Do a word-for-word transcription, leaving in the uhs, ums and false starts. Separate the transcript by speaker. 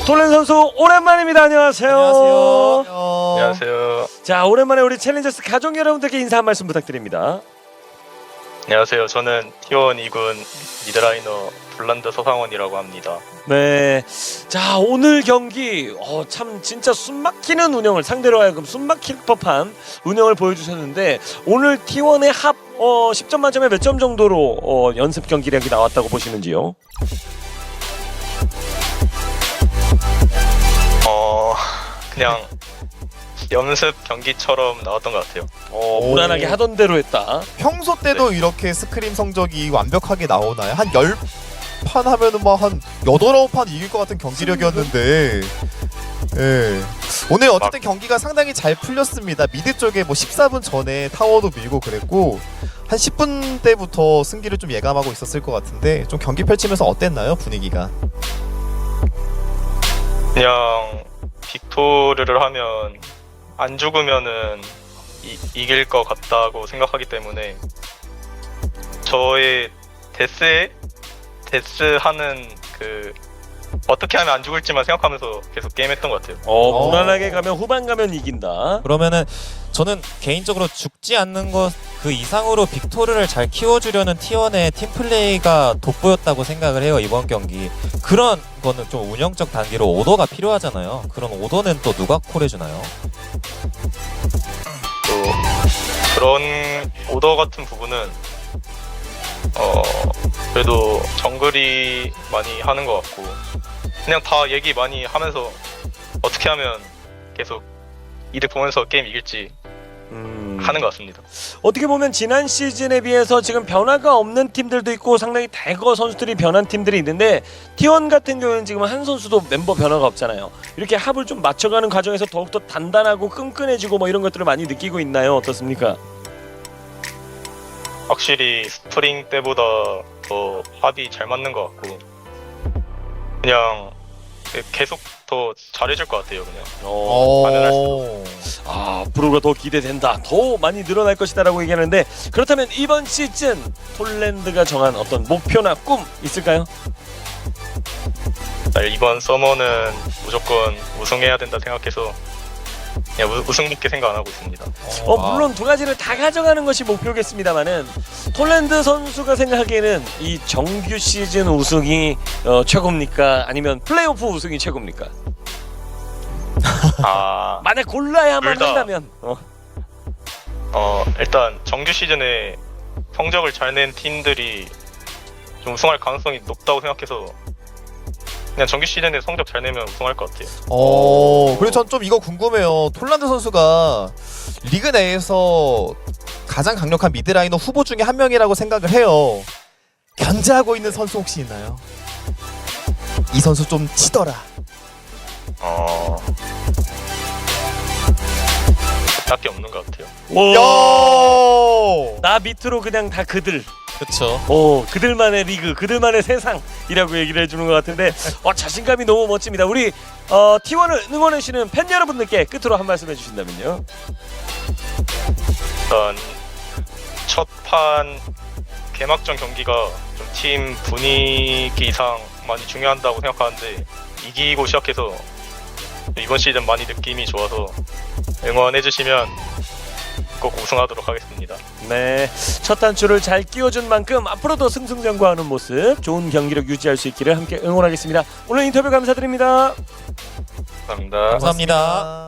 Speaker 1: 톨렌 선수 오랜만입니다. 안녕하세요.
Speaker 2: 안녕하세요.
Speaker 3: 안녕하세요.
Speaker 1: 자, 오랜만에 우리 챌린저스 가족 여러분들께 인사 한 말씀 부탁드립니다.
Speaker 3: 안녕하세요. 저는 티원 이 군 미드라이너 블란드 서상원이라고 합니다.
Speaker 1: 네, 자 오늘 경기 어, 참 진짜 숨막히는 운영을 상대로 하여금 숨막힐 법한 운영을 보여주셨는데 오늘 티원의 합 어, 십 점 만점에 몇 점 정도로 어, 연습 경기력이 나왔다고 보시는지요?
Speaker 3: 어 그냥 연습 경기처럼 나왔던 것 같아요.
Speaker 1: 어,
Speaker 2: 오.
Speaker 1: 무난하게 하던 대로 했다.
Speaker 2: 평소 때도 이렇게 스크림 성적이 완벽하게 나오나요? 한 열 판 하면은 막 한 여덟, 아홉 판 이길 것 같은 경기력이었는데 예. 오늘 어쨌든 경기가 상당히 잘 풀렸습니다. 미드 쪽에 뭐 십사 분 전에 타워도 밀고 그랬고 한 십 분 때부터 승기를 좀 예감하고 있었을 것 같은데 좀 경기 펼치면서 어땠나요? 분위기가?
Speaker 3: 그냥 빅토르를 하면 안 죽으면은 이, 이길 것 같다고 생각하기 때문에 저의 데스에 데스 하는 그 어떻게 하면 안 죽을지만 생각하면서 계속 게임했던 것 같아요.
Speaker 1: 어, 무난하게 가면 후반 가면 이긴다.
Speaker 4: 그러면은 저는 개인적으로 죽지 않는 것 그 이상으로 빅토르를 잘 키워주려는 티원의 팀플레이가 돋보였다고 생각을 해요. 이번 경기 그런 거는 좀 운영적 단계로 오더가 필요하잖아요. 그런 오더는 또 누가 콜해주나요?
Speaker 3: 또 그런 오더 같은 부분은 어 그래도 정글이 많이 하는 것 같고 그냥 다 얘기 많이 하면서 어떻게 하면 계속 이득 보면서 게임 이길지
Speaker 1: 음...
Speaker 3: 하는 것 같습니다.
Speaker 1: 어떻게 보면 지난 시즌에 비해서 지금 변화가 없는 팀들도 있고 상당히 대거 선수들이 변한 팀들이 있는데 티원 같은 경우는 지금 한 선수도 멤버 변화가 없잖아요. 이렇게 합을 좀 맞춰가는 과정에서 더욱더 단단하고 끈끈해지고 뭐 이런 것들을 많이 느끼고 있나요? 어떻습니까?
Speaker 3: 확실히 스프링 때보다 더 합이 잘 맞는 것 같고 그냥 계속 더 잘해줄 것 같아요. 그냥
Speaker 1: 어...
Speaker 3: 가능할수록.
Speaker 1: 아, 앞으로가 더 기대된다. 더 많이 늘어날 것이다라고 얘기하는데 그렇다면 이번 시즌 톨랜드가 정한 어떤 목표나 꿈 있을까요?
Speaker 3: 이번 서머는 무조건 우승해야 된다 생각해서 그냥 우, 우승밖에 생각 안 하고 있습니다.
Speaker 1: 어, 물론 두 가지를 다 가져가는 것이 목표겠습니다만은 톨랜드 선수가 생각하기에는 이 정규 시즌 우승이 어, 최고입니까? 아니면 플레이오프 우승이 최고입니까?
Speaker 3: 아,
Speaker 1: 만약 골라야만
Speaker 3: 둘 다.
Speaker 1: 한다면 어.
Speaker 3: 어 일단 정규 시즌에 성적을 잘 낸 팀들이 좀 우승할 가능성이 높다고 생각해서 그냥 정규 시즌에 성적 잘 내면 우승할 것 같아요.
Speaker 2: 어, 그리고 전 좀 이거 궁금해요. 톨란드 선수가 리그 내에서 가장 강력한 미드라이너 후보 중에 한 명이라고 생각을 해요. 견제하고 있는 선수 혹시 있나요? 이 선수 좀 치더라.
Speaker 3: 어 딱히 없는 것 같아요.
Speaker 2: 야!
Speaker 1: 나 밑으로 그냥 다 그들.
Speaker 4: 그쵸.
Speaker 1: 오, 그들만의 리그, 그들만의 세상이라고 얘기를 해주는 것 같은데 어, 자신감이 너무 멋집니다. 우리 어, 티원을 응원해주시는 팬 여러분들께 끝으로 한 말씀 해주신다면요.
Speaker 3: 일단 첫 판 개막전 경기가 좀 팀 분위기상 많이 중요한다고 생각하는데 이기고 시작해서 이번 시즌 많이 느낌이 좋아서 응원해주시면 꼭 우승하도록 하겠습니다.
Speaker 1: 네, 첫 단추를 잘 끼워준 만큼 앞으로도 승승장구하는 모습, 좋은 경기력 유지할 수 있기를 함께 응원하겠습니다. 오늘 인터뷰 감사드립니다.
Speaker 3: 감사합니다.
Speaker 4: 감사합니다.